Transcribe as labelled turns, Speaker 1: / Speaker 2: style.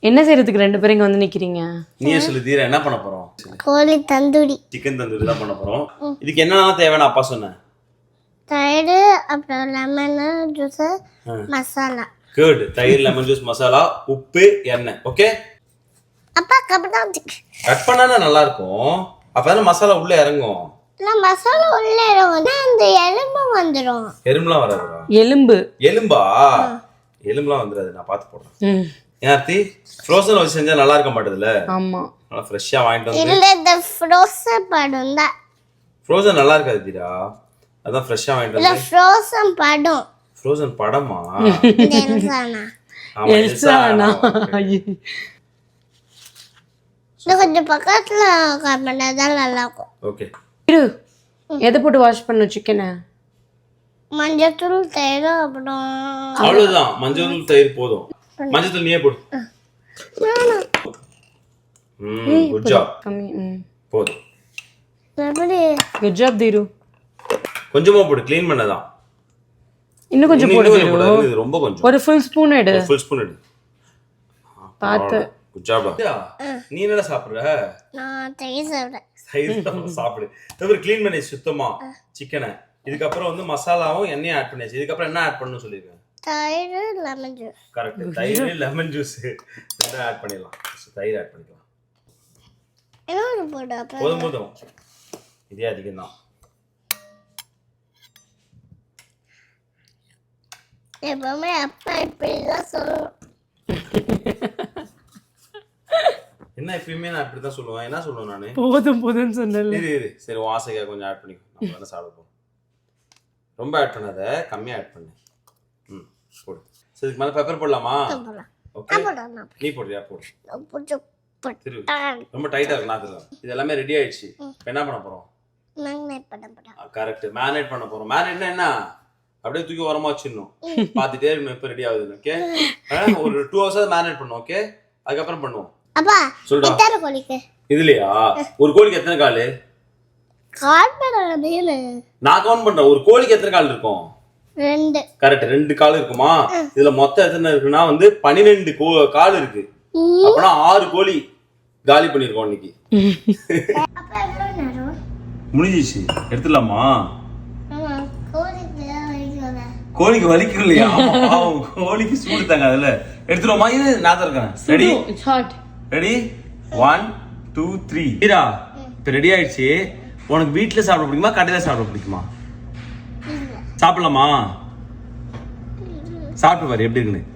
Speaker 1: என்ன செய்யறதுக்கு ரெண்டு பேரும் இங்க வந்து நிக்கிறீங்க?
Speaker 2: நீயே சொல்லு தீரா, என்ன பண்ண போறோம்?
Speaker 3: கோழி தந்தூரி.
Speaker 2: சிக்கன் தந்தூரி தான் பண்ண போறோம். இதுக்கு என்னென்ன தேவைன்னு அப்பா சொன்னேன்.
Speaker 3: தயிர், அப்புறம் லெமன் ஜூஸ், மசாலா.
Speaker 2: குட். தயிர், லெமன் ஜூஸ், மசாலா, உப்பு, எண்ணெய். ஓகே.
Speaker 3: அப்பா கபடாம்
Speaker 2: கட் பண்ணானா நல்லா இருக்கும். அப்பதான் மசாலா உள்ள இறங்கும்.
Speaker 3: இல்ல மசாலா உள்ள இறங்குனா அந்த எலும்பு வந்துரும்.
Speaker 2: எறும்புலாம் வராதுடா.
Speaker 1: எலும்பு.
Speaker 2: எலும்பா? எலும்புலாம் வந்துராது, நான் பார்த்து போடுறேன்.
Speaker 1: ம்.
Speaker 2: ஏன்டி ஃப்ரோசன் வச்சு செஞ்சா நல்லா இருக்க மாட்டேதுல?
Speaker 1: ஆமா.
Speaker 2: நல்லா ஃப்ரெஷ்ஷா வாங்கிட்டு வந்து.
Speaker 3: இல்ல இந்த ஃப்ரோசன் படம் தான்.
Speaker 2: ஃப்ரோசன் நல்லா இருக்காது தீரா. அதான் ஃப்ரெஷ்ஷா வாங்கிட்டு
Speaker 3: இல்ல
Speaker 2: வந்து.
Speaker 3: ஃப்ரோசன் படம்.
Speaker 2: ஃப்ரோசன் படமா?
Speaker 3: இந்த எல்சானா.
Speaker 2: ஆமா,
Speaker 1: எல்சானா.
Speaker 3: இது கொஞ்சம் பக்கத்துல பண்ணாதான் நல்லா இருக்கும்.
Speaker 2: ஓகே.
Speaker 1: இரு. எதை போட்டு வாஷ் பண்ண சிக்கனை?
Speaker 3: மஞ்சத்தூள், தயிர், அப்புறம்
Speaker 2: அவ்வளவுதான். மஞ்சள் தயிர் போதும். மஞ்சள் நீயே போடு. Good job.
Speaker 1: கம்மி. ம்.
Speaker 2: போதும்.
Speaker 3: எப்படி
Speaker 1: குட் ஜாப் தீரு.
Speaker 2: கொஞ்சமா போடு, க்ளீன் பண்ணதான்.
Speaker 1: இன்னும் கொஞ்சம் போடு தீரு.
Speaker 2: இது ரொம்ப கொஞ்சம்.
Speaker 1: ஒரு ஃபுல் ஸ்பூன் எடு.
Speaker 2: ஃபுல் ஸ்பூன் எடு.
Speaker 1: பாத்து.
Speaker 2: Good job. நீ என்னடா சாப்பிடுற?
Speaker 3: நான் தயிர் சாப்பிடுறேன்.
Speaker 2: தயிர் சாப்பிடு. தவிர க்ளீன் பண்ணி சுத்தமா சிக்கனை. இதுக்கப்புறம் வந்து மசாலாவும் எண்ணெயும் ஆட் பண்ணியாச்சு. இதுக்கப்புறம் என்ன ஆட் பண்ணணும்னு சொல்லிருக்கேன்?
Speaker 3: தயிர், லெமன் ஜூஸ்.
Speaker 2: கரெக்ட். தயிர், லெமன் ஜூஸ் ரெண்டும் ஆட் பண்ணிடலாம். தயிர் ஆட் பண்ணிக்கலாம்.
Speaker 3: என்ன போடு அப்ப?
Speaker 2: போதும் போதும். இதே அதிகம் தான்.
Speaker 3: எப்பவுமே அப்பா இப்படிதான் சொல்லுவோம்.
Speaker 2: என்ன எப்பயுமே நான் இப்படிதான் சொல்லுவேன். என்ன சொல்லுவேன் நானு?
Speaker 1: போதும் போதும்னு சொன்னல.
Speaker 2: இரு. சரி, வாசைக்கா கொஞ்சம் ஆட் பண்ணிக்கோ. நம்ம வேணா சாப்பிட போறோம். ரொம்ப ஆட் பண்ணாத, கம்மியா ஆட் பண்ணு. போடு. சரி, இதுக்கு மேல பெப்பர் போடலாமா? ஓகே. நீ போடுறியா? போடு. திரு. ரொம்ப டைட்டா இருக்கு நாக்குல. இது எல்லாமே ரெடி ஆயிடுச்சு. இப்போ என்ன பண்ண போறோம்?
Speaker 3: மேரினேட் பண்ண போறோம்.
Speaker 2: கரெக்ட். மேரினேட் பண்ண போறோம். மேரினேட்னா என்ன? அப்படியே தூக்கி ஓரமா வச்சிடணும். பாத்துட்டே இருக்கணும் எப்ப ரெடி ஆகுதுன்னு. ஓகே. ஒரு 2 hours மேரினேட் பண்ணுவோம். ஓகே. அதுக்கப்புறம் பண்ணுவோம்.
Speaker 3: அப்பா
Speaker 2: சொல்டா.
Speaker 3: எத்தனை கோழிக்கு?
Speaker 2: இதுலயா? ஒரு கோழிக்கு எத்தனை கால்?
Speaker 3: கால் பண்ணல.
Speaker 2: நான் கவுண்ட் பண்றேன். ஒரு கோழிக்கு எத்தனை கால் இருக்கும்?
Speaker 3: 2.
Speaker 2: கரெக்ட். 2 கால் இருக்குமா? இதுல மொத்தம் எத்தனை இருக்குன்னா வந்து 12 கால் இருக்கு. அப்பனா 6 கோழி காலி பண்ணிருக்கோம் இன்னைக்கு.
Speaker 3: அப்பா எவ்வளவு நேரம்?
Speaker 2: முடிஞ்சிச்சு. எடுத்துடலாமா?
Speaker 3: ஆமா, கோழிக்கு வலிக்கல.
Speaker 2: கோழிக்கு வலிக்கும் இல்லையா? கோழிக்கு சூடு தாங்க. அதுல எடுத்துருவோமா? இது நான் இருக்கேன். Ready?
Speaker 1: It's hot.
Speaker 2: Ready? 1 2 3. Heera, இப்போ ரெடி ஆயிடுச்சு. உனக்கு வீட்டுல சாப்பிட பிடிக்குமா கடையில சாப்பிட பிடிக்குமா? சாப்பிடலாமா? சாப்பிட்டு பாரு எப்படி இருக்குன்னு.